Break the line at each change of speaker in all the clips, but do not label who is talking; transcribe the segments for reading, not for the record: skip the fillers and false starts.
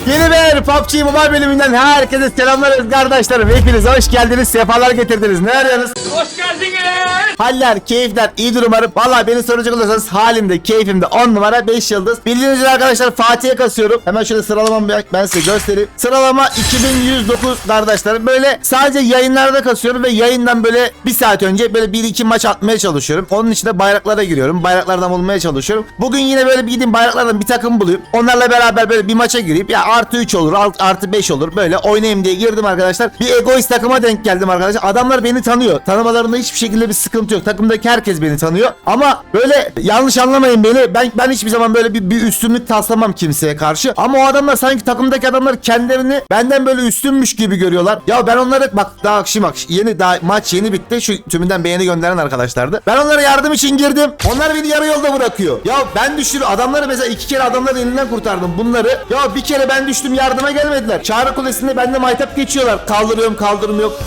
Yeni bir PUBG Mobile bölümünden herkese selamlar kardeşlerim. Hepiniz hoş geldiniz, sefalar getirdiniz. Ne arıyorsunuz? Hoş geldiniz. Haller, keyifler, iyidir umarım. Valla beni soracak olursanız halimde, keyfimde 10 numara 5 yıldız. Bildiğiniz üzere arkadaşlar Fatih'e kasıyorum. Hemen şöyle sıralamamı ben size göstereyim. Sıralama 2109 kardeşlerim. Böyle sadece yayınlarda kasıyorum ve yayından böyle bir saat önce böyle 1-2 maç atmaya çalışıyorum. Onun için de bayraklara giriyorum. Bayraklardan bulmaya çalışıyorum. Bugün yine böyle bir gideyim bayraklardan bir takım bulayım. Onlarla beraber böyle bir maça gireyim. Ya artı 3 olur, artı 5 olur. Böyle oynayayım diye girdim arkadaşlar. Bir egoist takıma denk geldim arkadaşlar. Adamlar beni tanıyor. Tanımalarında hiçbir şekilde bir sıkıntı yok. Takımdaki herkes beni tanıyor. Ama böyle yanlış anlamayın beni. Ben hiçbir zaman böyle bir üstünlük taslamam kimseye karşı. Ama o adamlar sanki takımdaki adamlar kendilerini benden böyle üstünmüş gibi görüyorlar. Ya ben onları bak daha maç yeni bitti. Şu tümünden beğeni gönderen arkadaşlardı. Ben onlara yardım için girdim. Onlar beni yarı yolda bırakıyor. Ya ben adamları mesela 2 kere adamların elinden kurtardım bunları. Ya bir kere ben düştüm yardıma gelmediler. Çağrı Kulesi'nde bende maytap geçiyorlar. Kaldırıyorum kaldırım yok.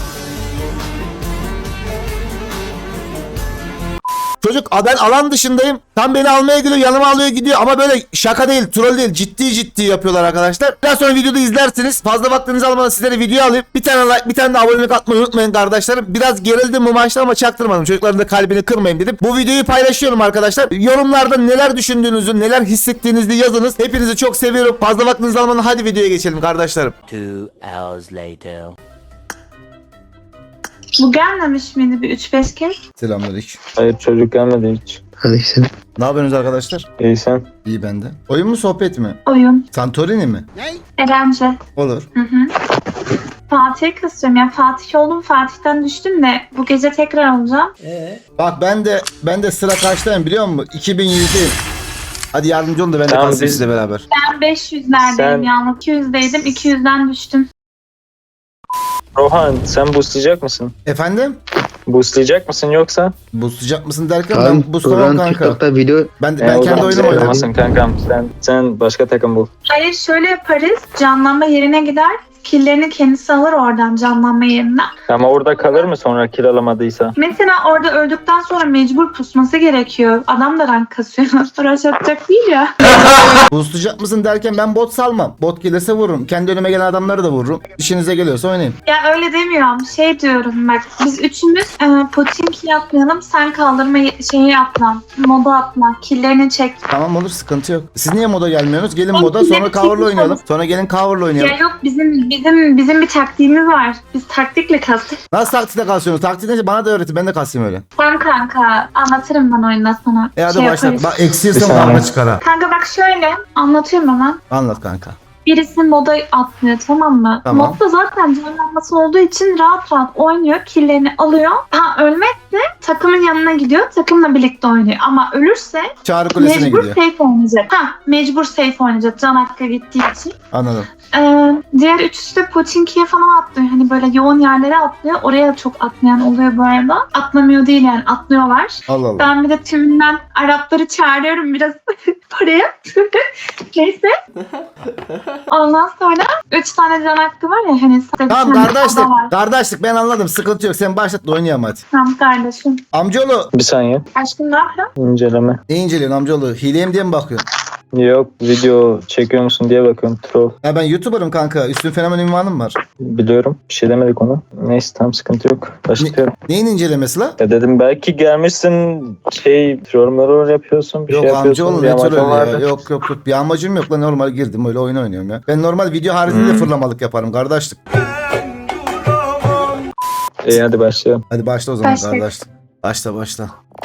Çocuk ben alan dışındayım. Tam beni almaya geliyor, yanıma alıyor gidiyor ama böyle şaka değil, troll değil, ciddi yapıyorlar arkadaşlar. Biraz sonra videoda izlersiniz. Fazla vaktinizi almadan sizlere video alayım. Bir tane like, bir tane de abonelik atmayı unutmayın kardeşlerim. Biraz gerildim bu maçta ama çaktırmadım. Çocukların da kalbini kırmayayım dedim. Bu videoyu paylaşıyorum arkadaşlar. Yorumlarda neler düşündüğünüzü, neler hissettiğinizi yazınız. Hepinizi çok seviyorum. Fazla vaktinizi almadan hadi videoya geçelim kardeşlerim.
2 hours later.
Bu gelmemiş miydi bir 3-5 kez?
Selamünaleyküm.
Hayır çocuk gelmedi hiç.
Hadi sen.
Ne yapıyorsunuz arkadaşlar?
İyi sen.
İyi bende. Oyun mu sohbet mi?
Oyun.
Santorini mi?
Erence.
Olur.
Fatih'e kısıyorum ya. Fatih oldum. Fatih'ten düştüm de bu gece tekrar olacağım.
Bak ben de sıra kaçtayım biliyor musun? 2100'deyim. Hadi yardımcı olun da ben de
Tamam,
kalsın
biz-
sizle beraber.
Ben 500'lerdeyim
Sen-
yalnız. 200'deydim. 200'den düştüm.
Rohan sen boostlayacak mısın?
Efendim?
Boostlayacak mısın yoksa?
Boostlayacak mısın derken
Kaan,
ben boostlamam
Turan
kanka.
TikTok'ta video
Ben
o
kendi
zaman
oyunumu
sen
oynadım.
oynamazsın kankam. Sen başka takım bul.
Hayır şöyle yaparız. Canlanma yerine gider. Killerini kendisi alır oradan canlanma yerinden.
Ama orada kalır mı sonra kill alamadıysa?
Mesela orada öldükten sonra mecbur pusması gerekiyor. Adam da rank kasıyor. Rush atacak değil ya.
Boostlayacak mısın derken ben bot salmam. Bot gelirse vururum. Kendi önüme gelen adamları da vururum. İşinize geliyorsa oynayın.
Ya öyle demiyorum. Şey diyorum bak. Biz üçümüz Potinki yapmayalım. Sen kaldırma şeyi atla. Moda atla. Killerini çek.
Tamam olur sıkıntı yok. Siz niye moda gelmiyorsunuz? Gelin
Oğlum,
moda
biz
sonra
hep
cover'la
çekmiş
oynayalım.
oluruz.
Sonra gelin cover'la oynayalım.
Ya yok bizim bir taktiğimiz var. Biz taktikle kastık.
Nasıl taktikte kalsıyorsunuz? Taktik neyse bana da öğretin. Ben de kasayım öyle.
Tamam kanka anlatırım ben oyunda sana.
Hadi
Şey
başla.
yaparız.
Bak eksirsem
Bir saniye.
kavga çıkar ha.
Kanka bak şöyle anlatıyorum hemen.
Anlat kanka.
Birisi moda atlıyor tamam mı?
Tamam.
Modda zaten canlanması olduğu için rahat oynuyor. Killerini alıyor. Ha ölmezse takımın yanına gidiyor. Takımla birlikte oynuyor. Ama ölürse
Çağrı Kulesi'ne
mecbur
gidiyor.
safe oynayacak. Mecbur safe oynayacak. Can hakkı gittiği için.
Anladım.
Diğer üçüsü de Pochinki'ye falan atlıyor. Hani böyle yoğun yerlere atlıyor. Oraya da çok atlayan oluyor bu arada. Atlamıyor değil yani atlıyorlar.
Allah Allah.
Ben bir de tümünden Arapları çağırıyorum biraz oraya. Neyse. Ondan sonra 3 tane can hakkı var ya hani.
Tamam
bir
kardeşlik.
ada var.
Kardeşlik ben anladım. Sıkıntı yok. Sen başlat da oynayalım hadi.
Tamam kardeşim.
Amcaoğlu
Bir saniye.
Aşkım ne yapıyorsun?
İnceleme.
ne inceliyorsun amcaoğlu? Hileyim diye mi bakıyorsun?
Yok video çekiyor musun diye bakıyorum. Troll.
Ya ben YouTuber'ım kanka. Üstün fenomen ünvanım var.
Biliyorum. Bir şey demedik ona. Neyse tam sıkıntı yok. Başlıyorum.
Neyin incelemesi la?
Ya dedim belki gelmişsin yorumları yapıyorsun. Bir
Yok
şey yapıyorsun.
amcaoğlu
bir
ne
amacın
troll ya.
vardı.
Yok. Bir amacım yok lan. Normal girdim öyle oyun oynuyorum ya. Ben normal video haricinde de fırlamalık yaparım kardeşlik.
İyi hadi başlayalım.
Hadi başla o zaman
Başla.
kardeşlik. Başla.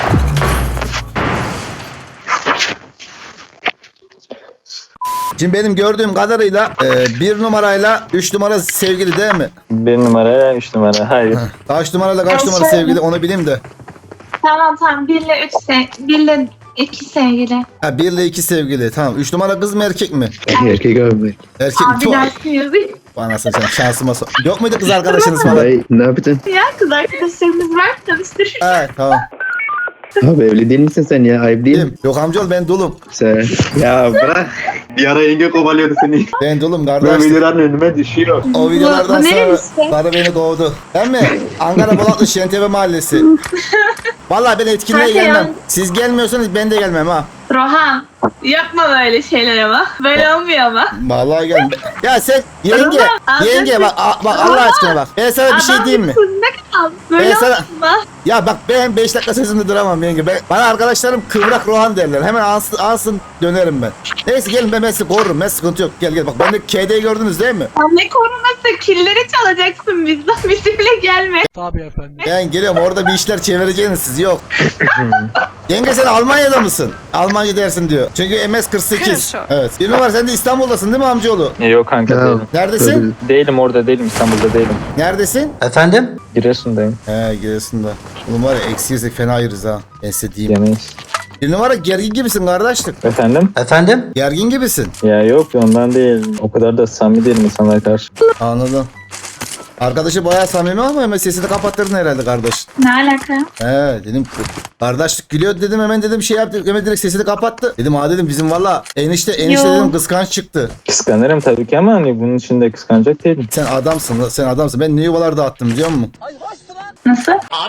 Şimdi benim gördüğüm kadarıyla 1 numarayla 3 numara sevgili değil mi?
1 numara 3 numara. Hayır.
Kaç numarayla kaç
Ben
numara
şöyle-
sevgili onu bileyim de.
Tamam 1 ile 1 ile 2 sevgili.
Ha 1 ile 2 sevgili. Tamam. 3 numara kız mı erkek mi?
erkek abi.
Erkek mi?
Abi dersin yazıyor.
Bana sen şansıma Yok muydu kız arkadaşınız falan?
Ay, ne yapacaksın?
Ya kız arkadaşlarımız var tanıştırır.
Ha tamam.
Abi evli değil misin sen ya? Ayıp değil mi?
Değilim. Yok amcaoğlu ben dulum.
Sen. Ya bırak.
Bir ara yenge kovalıyordu seni.
Ben dulum
Böyle
kardeş.
videoların önüme düşüyor.
O videolardan
Bu ne
sonra
işte?
karı beni kovdu. Değil mi? Ankara Polatlı Şentepe Mahallesi. Vallahi ben etkinliğe
Kanka ya.
gelmem. Siz gelmiyorsanız ben de gelmem ha.
Rohan yapma böyle şeyler ama. Böyle olmuyor ama.
Vallahi gel. Ya sen yenge,
Adam-
yenge bak, bak Allah aşkına bak. Ben sana bir şey diyeyim mi?
Ne kadar böyle
Ben sana-
olma.
Ya bak ben 5 dakika sözümde duramam yenge. Bana arkadaşlarım kıvrak Rohan derler. Hemen ansın dönerim ben. Neyse gelin ben sizi korurum. Ben sıkıntı yok. Gel bak. Ben de KD'yi gördünüz değil mi?
Ya ne koruması, killeri çalacaksın bizden. Bizimle gelme.
Ben geliyorum orada bir işler çevireceğiniz siz yok. Yenge sen Almanya'da mısın? Almanca dersin diyor. Çünkü MS 48. Evet. Bir numara sen de İstanbul'dasın değil mi amcaoğlu?
Yok kanka
Ya,
değilim.
Neredesin?
Değilim orada değilim İstanbul'da değilim.
Neredesin?
Giresun'dayım.
He Giresun'da. Oğlum var ya eksi yesek fena ayırız ha. Ben size diyeyim.
Yemeyiz.
Bir numara gergin gibisin kardeşlik.
Efendim?
Gergin gibisin.
Ya yok ondan değil. O kadar da samimi değilim insanlara karşı.
Anladım. Arkadaşı bayağı samimi ama hemen sesini kapattırdın herhalde kardeş.
Ne alaka?
He dedim kardeşlik gülüyor dedim hemen dedim şey yaptı hemen direkt sesini kapattı. Dedim dedim bizim valla enişte
Yo.
dedim kıskanç çıktı.
Kıskanırım tabii ki ama hani bunun için de kıskanacak değilim.
Sen adamsın ben ne yuvalar dağıttım biliyor musun?
Nasıl?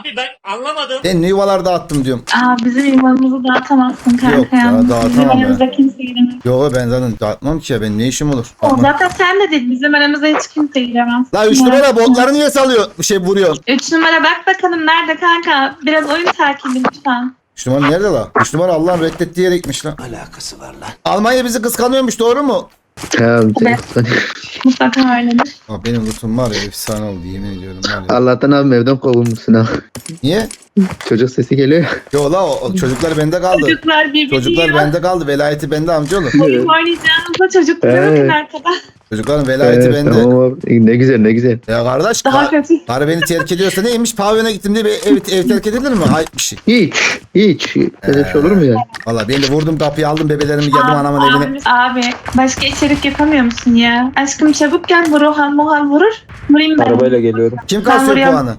Ben ne yuvalar dağıttım diyorum.
Bizim yuvamızı dağıtamazsın kanka.
Yok ya, dağıtamam
Bizim
ben.
aramızda kimse giremez.
Yo ben zaten dağıtmam ki ya ben ne işim olur.
O zaten sen de değil. Bizim aramızda hiç kimse giremez.
La 3 numara botları niye salıyor bir şey vuruyor.
3 numara bak bakalım nerede kanka. Biraz oyun takibi lütfen.
3 numara nerede la? 3 numara Allah'ın reddettiği yere gitmiş lan. Alakası var lan. Almanya bizi kıskanıyormuş doğru mu?
Ya,
Mutlaka öyledir.
Benim lootum var ya efsane oldu yemin ediyorum var ya.
Allah'tan abi evden kovulmuşsun ha.
Niye?
Çocuk sesi geliyor ya.
Yo la o çocuklar bende kaldı.
Çocuklar birbirini
Çocuklar
yiyor.
bende kaldı. Velayeti bende amcaoğlu.
Oyun oynayacağınızda çocuklara bakın
Evet.
arkada.
Çocukların velayeti
Evet,
bende.
tamam abi. Ne güzel ne güzel.
Ya kardeş
Daha kötü.
karı beni terk ediyorsa neymiş? Pavyona gittim diye ev terk edilir mi? Ayıp bir şey.
Hiç. Böyle bir şey olur mu ya?
Valla ben de vurdum kapıyı aldım bebelerimi geldim anamın evine.
Abi başka içerik yapamıyor musun ya? Aşkım çabuk gel, bu Rohan Mohan vurur. Vurayım ben.
Arabayla geliyorum.
Kim
Ben
kasıyor
vuruyorum.
puanı?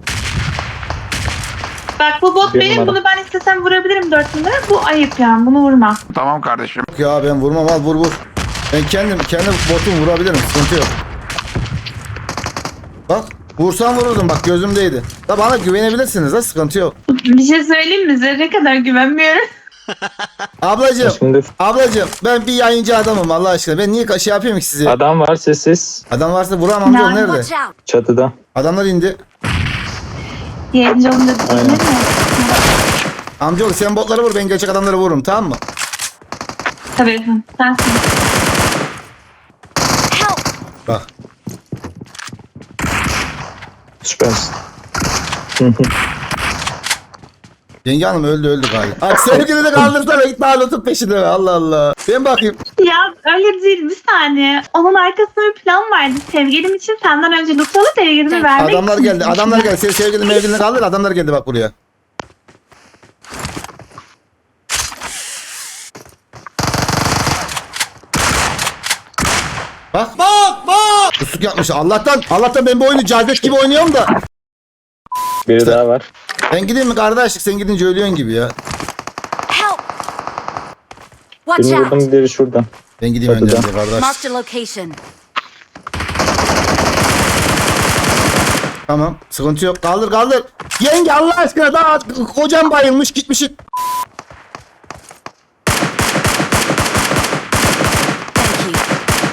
Bak bu bot
Bir
benim,
numara.
bunu ben istesem vurabilirim 4 numara. Bu ayıp yani, bunu vurma.
Yok ya ben vurmam al vur. Ben kendim botumu vurabilirim sıkıntı yok. Bak vursam vururdum bak gözümdeydi. Da bana güvenebilirsiniz ha sıkıntı yok.
Bir şey söyleyeyim mi? Zerre kadar güvenmiyorum.
Ablacığım
Şimdi
ben bir yayıncı adamım Allah aşkına. Ben niye şey yapayım ki size?
adam var sessiz.
Adam varsa vuramam amcaoğlu nerede?
Watch out!
Çatıda.
Adamlar indi.
Yayıncı olunca değil mi?
Amcaoğlu sen botları vur ben gerçek adamları vururum tamam mı?
Tabii. Sensin.
Help!
Bak.
Süpersin.
Yenge hanım öldü galiba. Bak sevgili de kaldırsana git Naruto'nun peşinde be Allah Allah. Ben bakayım.
Ya öyle değil, bir saniye. Onun arkasında bir plan vardı. Sevgilim için senden önce loot alıp sevgilimi vermek
Adamlar
için.
geldi. Senin sevgilin mevgilini kaldır adamlar geldi bak buraya. Bak. Kusuk yapmış. Allah'tan ben bu oyunu cazet gibi oynuyorum da.
Biri daha var.
Ben gideyim mi kardeşlik sen gidince ölüyorsun gibi ya.
Help! Watch
Birini
out!
vurdum biri şurada.
Ben gideyim
Çatıda.
önden de kardeş.
Marked a location.
Tamam sıkıntı yok kaldır. Yenge Allah aşkına daha kocam bayılmış gitmişik.
Thank you.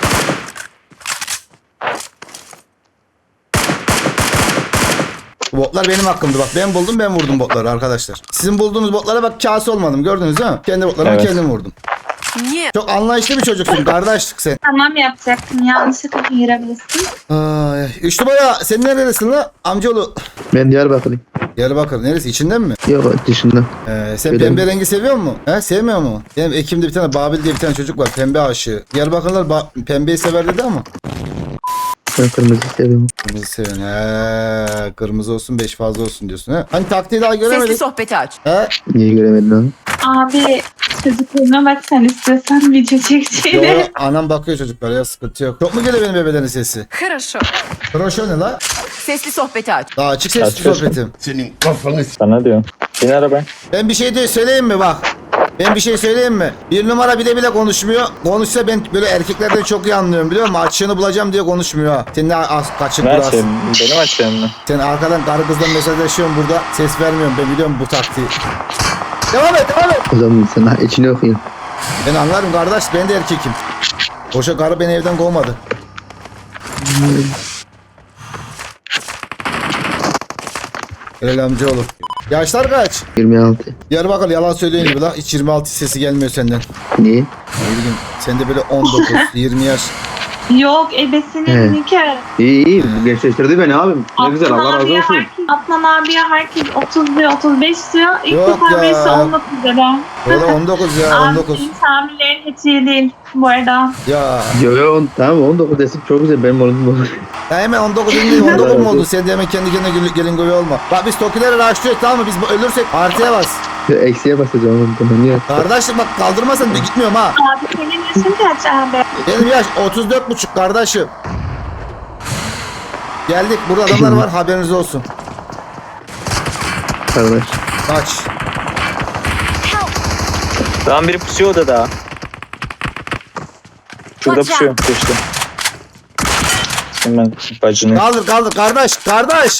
Botlar benim hakkımdı bak ben buldum ben vurdum botları arkadaşlar. Sizin bulduğunuz botlara bak kase olmadım gördünüz değil mi? Kendi botlarımı
Evet.
kendim vurdum.
Yeah.
Çok anlayışlı bir çocuksun kardeşlik sen.
Tamam yapacaktım. Yanlışlıkla girebilirsin.
Ay, 3 numara sen neredesin la amcaoğlu?
Ben Diyarbakır'ım.
Diyarbakır neresi içinden mi?
Yok dışında.
Sen
Öyle
pembe
mi?
rengi seviyor musun? He sevmiyor mu? Benim Ekim'de bir tane Babil diye bir tane çocuk var pembe aşığı. Diyarbakırlılar pembeyi sever dedi ama.
Ben kırmızı seviyorum.
Kırmızı seviyorsun he. Kırmızı olsun 5 fazla olsun diyorsun he. Hani taktiği daha
Sesli
göremedik.
sohbeti aç.
He?
Niye göremedin abi?
Abi çocukluğuna bak sen, istiyorsan video çekeceğine.
Yo, anam bakıyor çocuklara ya sıkıntı yok. Çok mu geliyor benim bebelerin sesi?
Хорошо.
Kroşo ne la?
Sesli sohbeti aç.
Daha açık sesli
Açık.
sohbetim.
Sana diyor. Bin arabaya.
Ben bir şey de söyleyeyim mi bak. Ben bir şey söyleyeyim mi? Bir numara bile konuşmuyor. Konuşsa ben böyle erkeklerden çok iyi anlıyorum biliyor musun? Açığını bulacağım diye konuşmuyor ha. Sen ne kaçık
Ne
burası.
açayım? Benim açayım mı?
Sen arkadan karı kızla mesajlaşıyorsun burada. Ses vermiyorum ben biliyorum bu taktiği. Devam et.
O zaman sana içini okuyayım.
Ben anlarım kardeş, ben de erkekim. Boşa karı beni evden kovmadı. Helal amcaoğlu. Yaşlar kaç?
26.
Diyarbakır yalan söylüyorsun gibi la. Hiç 26 sesi gelmiyor senden.
Niye?
Ne bileyim. Sen de böyle 19, 20 yaş.
Yok ebesinin nikahı.
İyi iyi. Gençleştirdi beni abim. Ne güzel Allah razı olsun.
Adnan abiye herkes 30 diyor, 35 diyor. İlk
Yok
defa
ya.
birisi 19 dedi.
Böyle 19 ya, 19.
Abinin tahminlerin hiç iyi değil bu arada.
Ya.
Tamam 19 desin çok güzel benim oğlum.
Ya hemen 19 değil, 19 mu oldun? Sen de hemen kendi kendine gelin goyu olma. Bak biz Tokileri raşlıyoruz, tamam mı? Biz ölürsek artıya bas.
Eksiye basacağım oğlum tamam niye?
Kardeşim bak kaldırmasan ben gitmiyorum ha.
Abi senin yaşın kaç abi?
Benim yaş 34,5 kardeşim. Geldik, burada adamlar var, haberiniz olsun.
Kardeş.
Kaç.
Tamam biri pusuyor odada. Şurada
Watch
pusuyor. Geçti. Hemen bacını.
Kaldır kaldır kardeş, kardeş.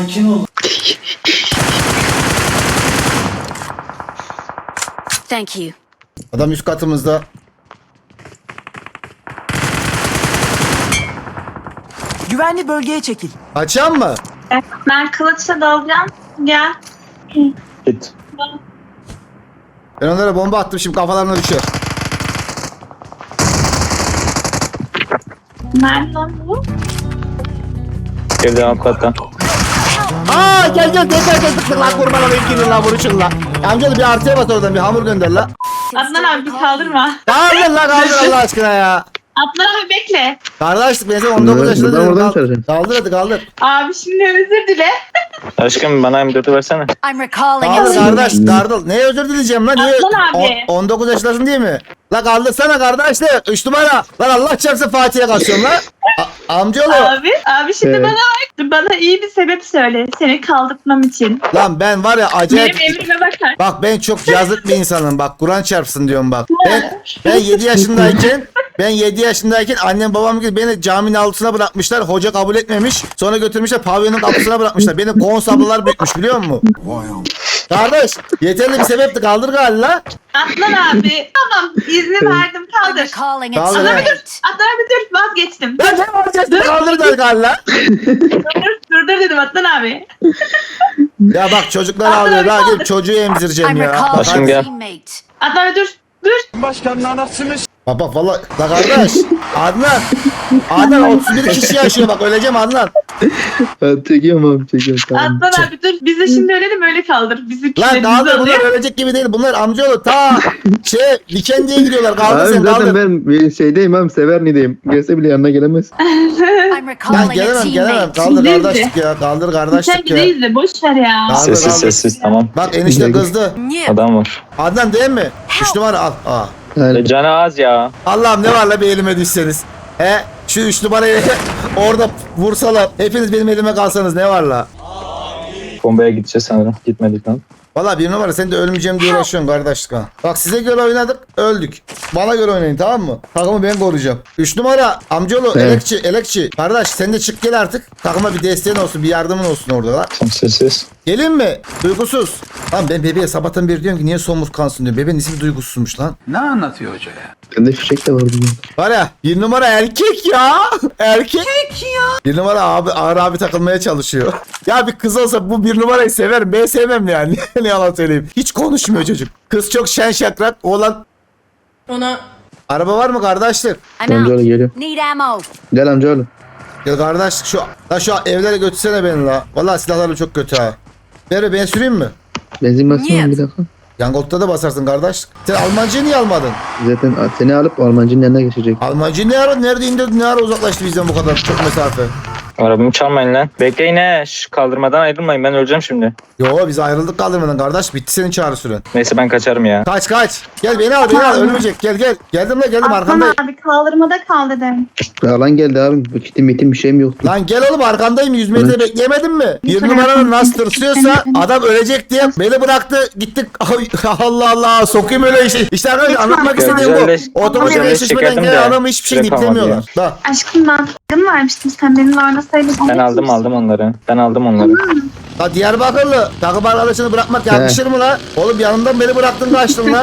Thank you.
Adam üst katımızda.
Güvenli bölgeye çekil.
Açan mı?
Ben kılıçla dalacağım. Gel.
Git.
Ben onlara bomba attım, şimdi kafalarına düşer.
Nerede lan bu?
Evden alt katta.
Aa gel tıklık lan, kurban olayım, girin lan, vuruşun lan. Amcalı bir artıya bas oradan, bir hamur gönder lan.
Adnan abi bir kaldırma.
Kaldır lan, kaldır Allah aşkına ya.
Adnan abi bekle.
Kardeş ben sana 19 yaşında
Buradan
dedim.
oradan çağıracağım.
Kaldır hadi kaldır.
Abi şimdi özür dile.
Aşkım bana M4'ü versene.
I'm recalling a
Kaldır
teammate.
kardeş, kaldır. Neye özür dileyeceğim lan? Niye?
Aslan abi.
19 yaşındasın değil mi? La kaldırsana kardeş de 3 numara. Lan Allah çarpsın Fatih'e kaçıyorum lan. Amcaoğlu.
Abi şimdi
Evet.
bana iyi bir sebep söyle. Seni kaldırtmam için.
Lan ben var ya acayip.
Benim emrime bakar.
Bak ben çok yazık bir insanım, bak Kur'an çarpsın diyorum bak. Ben 7 yaşındayken annem babam gibi beni caminin altına bırakmışlar. Hoca kabul etmemiş. Sonra götürmüşler pavyonun kapısına bırakmışlar. Beni konsablılar büyütmüş biliyor musun? Kardeş yeterli bir sebepti, kaldır galiba.
Adnan abi. Tamam izni verdim
I'm
kaldır.
recalling a
Kaldır,
teammate.
Adnan abi dur vazgeçtim.
Ben ne yapacaksın? Kaldır galiba.
Dur dedim Adnan abi.
Ya bak çocuklar ağlıyor. Daha gelip çocuğu emzireceğim
I'm
ya. Bak,
recalling
Başım
a
gel.
teammate.
Adnan abi dur.
bak valla. La kardeş. Adnan 31 kişi yaşıyor bak, öleceğim Adnan.
Ben çekiyorum abi çekiyorum tamam.
Adnan abi dur. Biz de şimdi ölelim öyle kaldır.
Lan
Bizimkilerimiz
kaldır, bunlar
oluyor.
ölecek gibi değil. Bunlar amcaoğlu ta Dikendi'ye gidiyorlar. Kaldır
Abi
sen
zaten
kaldır.
ben bir şeydeyim abi Severni'deyim. Gelse bile yanına gelemez.
I'm
Lan
recalling a
gelemem.
teammate.
Kaldır
Değil
kardeşlik ya. Kaldır
Sen
kardeşlik ya.
gideyiz de boş ver ya.
Kaldır,
Sessiz
kaldır.
sessiz tamam.
Bak enişte kızdı.
New.
Adam var.
Adnan değil mi? 3 numara al. Aa.
Yani
Canı az ya.
Allah'ım ne var la bir elime düşseniz. Şu 3 numarayı orada vursalar. Hepiniz benim elime kalsanız ne var la?
Bombaya gideceğiz sanırım. Gitmedik lan.
Valla bir numara, sen de ölmeyeceğim diye uğraşıyorsun kardeşlik ha. Bak size göre oynadık, öldük. Bana göre oynayın tamam mı? Takımı ben koruyacağım. 3 numara amcaoğlu
Evet.
elekçi. Kardeş sen de çık gel artık. Takıma bir desteğin olsun, bir yardımın olsun orada lan.
Tam sessiz.
Gelin mi? Duygusuz. Lan ben bebeğe sabahtan beri diyorum ki niye somurtkansın diyorum. Bebeğin ismi duygusuzmuş lan.
Ne anlatıyor hoca ya?
bende fişek de var bunun.
Var ya bir numara erkek ya. Erkek ya. Bir numara abi ağır abi takılmaya çalışıyor. Ya bir kız olsa bu bir numarayı severim. Ben sevmem yani. Ne yalan söyleyeyim. Hiç konuşmuyor çocuk. Kız çok şen şakrak. Oğlan.
Ona.
Araba var mı kardeşlik?
I'm
Amcaoğlu
out.
geliyor.
Need ammo.
Gel amcaoğlu.
Gel kardeşlik şu evlere götürsene beni la. Vallahi silahlarım çok kötü ha. Ver ben süreyim mi?
Benzin basayım
Niye?
bir dakika.
Yangolt'ta da basarsın kardeş. Sen Almancıyı niye almadın?
Zaten seni alıp Almancının yanına geçecek.
Almancı nerede indirdi, ne ara uzaklaştı bizden bu kadar çok mesafe?
Arabamı çalmayın lan. Bekleyin he. Şu kaldırmadan ayrılmayın. Ben öleceğim şimdi.
Yo biz ayrıldık kaldırmadan kardeş, bitti senin çağrı süren.
Neyse ben kaçarım ya.
Kaç. Gel beni al ölmeyecek, gel. Geldim
Adnan
arkandayım.
abi kaldırmada kal dedim.
Alan geldi abi. Bu kitim mitim bir şeyim yoktu.
Lan gel oğlum arkandayım, 100 metre bekleyemedim mi? Bir numaranın nasıl tırsıyorsa adam ölecek diye beni bıraktı gittik. Allah Allah sokayım öyle işi. İşte arkadaşlar anlatmak
Ya
istediğim
güzelleş-
bu. Otomatik
güzelleş
eşleşmeden
çekerdim
gelen
de
adamı hiçbir şey
yapamadı
diplemiyorlar. Bak.
Aşkım ben sakın vermiştim. Sen benimle oynasaydın.
Ben aldım onları. Ben aldım onları.
La Diyarbakırlı takım arkadaşını bırakmak yakışır mı la? Oğlum yanımdan beni bıraktın kaçtın la.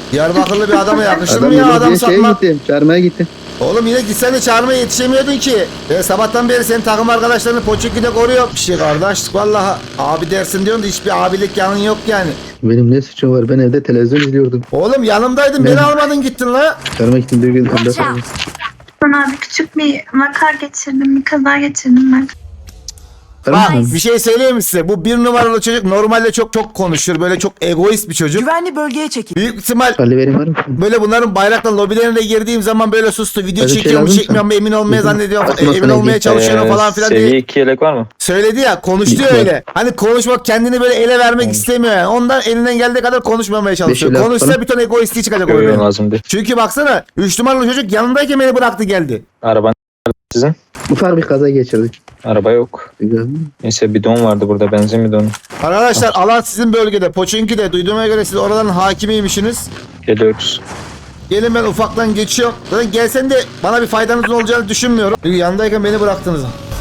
Diyarbakırlı bir adama yakışır mı
Adam
ya
yürü
adam
diye şeye
satmak?
gittim. Çağırmaya gittim.
Oğlum yine gitsen de çağırmaya yetişemiyordun ki. Sabahtan beri senin takım arkadaşlarını Poçinki'de koruyor. Bir şey kardeş vallahi abi dersin diyorsun da hiçbir abilik yanın yok yani.
Benim ne suçum var? Ben evde televizyon izliyordum.
Oğlum yanımdaydın beni almadın gittin la.
Çağırmaya gittim bir gün.
Watch out.
Sonra abi küçük bir vaka geçirdim. Bir kaza geçirdim ben.
Bak bir şey söyleyeyim mi size? Bu bir numaralı çocuk normalde çok konuşur. Böyle çok egoist bir çocuk.
Güvenli bölgeye çekil.
Büyük ihtimal
Ali vereyim var mı?
böyle bunların bayrakla lobilerine girdiğim zaman böyle sustu. Video
Öyle şey
çekiyor mu
lazım
çekmiyor mu emin olmaya
Bizim
zannediyor.
aklıma
Emin
sana
olmaya
ilgili-
çalışıyorum falan filan
Seviye
diye.
2 yelek var mı?
Söyledi ya konuştu ya
Lütfen.
öyle. Hani konuşmak kendini böyle ele vermek istemiyor yani. Ondan elinden geldiği kadar konuşmamaya çalışıyor.
Beş elli
Konuşsa
falan.
bir ton egoistliği çıkacak
Görüyorum
oraya.
lazım değil.
Çünkü baksana 3 numaralı çocuk yanındayken beni bıraktı geldi.
Araban sizin.
Ufak bir kaza geçirdik.
Araba yok. Neyse bidon vardı burada, benzin bidonu.
Arkadaşlar alan sizin bölgede. Poçinki'de duyduğuma göre siz oraların hakimiymişsiniz.
Geliyoruz.
Gelin ben ufaktan geçiyorum. Zaten gelsen de bana bir faydanızın olacağını düşünmüyorum. Çünkü yanındayken beni bıraktınız.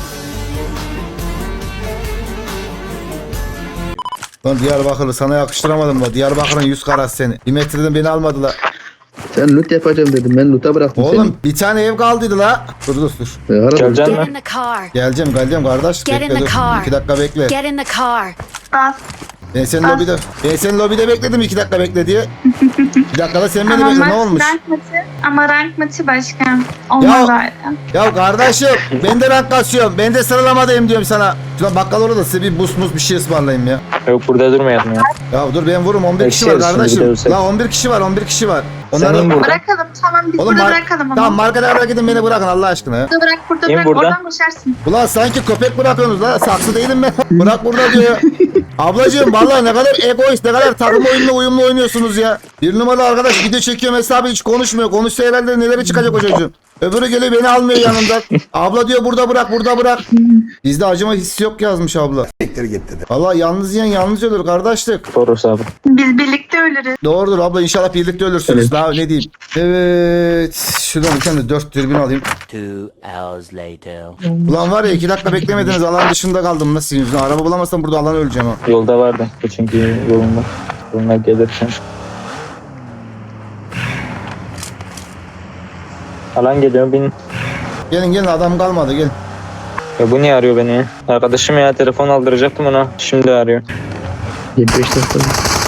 Lan Diyarbakırlı sana yakıştıramadım da. Diyarbakır'ın yüz karası seni. Bir metreden beni almadılar.
Sen loot yapacağım dedim. Ben loot'a bıraktım
Oğlum bir tane ev kaldıydı la. Dur.
seni. Aradım.
Geleceksin
Get
mi?
in the car.
Geleceğim kardeş.
Get in
Bekle
the
dur.
car.
2 dakika bekle.
Get in the car.
Bas.
Ben senin lobide bekledim 2 dakika bekle diye. 2 dakikada sen beni
Ama
bekle ne
maç
olmuş?
rank maçı. Ama rank maçı başkan. Olmaz öyle.
Ya kardeşim ben de rank kasıyorum. Ben de sıralamadayım diyorum sana. Şuna bakkal orada size bir bus bir şey ısmarlayayım ya.
Yok burada durmayalım ya.
Ya dur ben vururum 11 kişi var
Eksiyoruz şimdi,
kardeşim.
gidersek.
La 11 kişi var 11 kişi var.
Senin burada.
Bırakalım tamam biz burada bırakalım onu.
Tamam markete kadar gidin beni bırakın Allah aşkına ya.
Burada bırak burada
İn
bırak
burada.
oradan koşarsın.
Ulan sanki köpek bırakıyorsunuz la saksı değilim ben. Bırak burada diyor. Ablacığım vallahi ne kadar egoist ne kadar takım oyununa uyumlu oynuyorsunuz ya. Bir numaralı arkadaş video çekiyorum hesabı hiç konuşmuyor. Konuşsa herhalde neleri çıkacak o çocuğun. Öbürü geliyor beni almıyor yanından. Abla diyor burada bırak. Bizde acıma hissi yok yazmış abla. Vallahi yalnız yiyen yalnız ölür kardeşlik.
Toros abi.
Biz birlikte ölürüz.
Doğrudur abla inşallah birlikte ölürsünüz.
Evet.
Daha ne diyeyim. Evet. Şuradan bir tane de 4 dürbün alayım.
2 hours later.
Ulan var ya 2 dakika beklemediniz alan dışında kaldım nasıl yüzüne. Araba bulamazsam burada alan öleceğim ha.
Yolda vardı. Çünkü yolunda. Yoluna gelirken. Alan geliyor bin.
Gelin adam kalmadı gelin.
Ya bu niye arıyor beni? Arkadaşım ya telefon aldıracaktım ona. Şimdi arıyor.
75 dakika.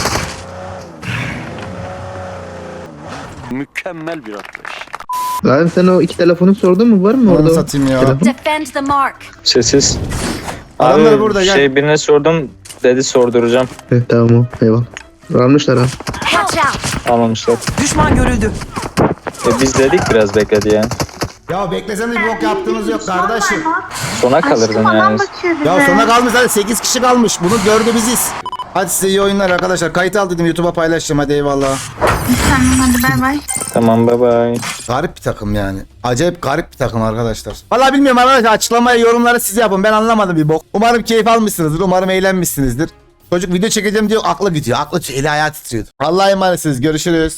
Mükemmel bir atlayış.
Abi sen o iki telefonu sordun mu? Var mı
Onu
orada?
satayım ya.
Telefon?
Defend the mark.
Sessiz.
Adamlar
Abi,
burada, gel.
birine sordum. Dedi sorduracağım.
Evet tamam o. Eyvallah. Almışlar abi.
Watch out.
Almamışlar.
Düşman görüldü.
Biz dedik biraz bekledi ya.
Ya bekleseniz bir bok yaptığınız yok kardeşim.
Sona kalırdın
Aşkım adam
yani.
bakıyor bize.
Ya sona kalmış hadi 8 kişi kalmış. Bunu gördü biziz. Hadi size iyi oyunlar arkadaşlar. Kayıt al dedim YouTube'a paylaşacağım hadi eyvallah.
Tamam hadi bay bay.
Tamam bye bye.
Garip bir takım yani. Acayip garip bir takım arkadaşlar. Vallahi bilmiyorum arkadaşlar açıklamaya yorumları siz yapın. Ben anlamadım bir bok. Umarım keyif almışsınızdır. Umarım eğlenmişsinizdir. Çocuk video çekeceğim diyor aklı gidiyor. Aklı eli ayağı titriyordu. Allah'a emanetsiniz. Görüşürüz.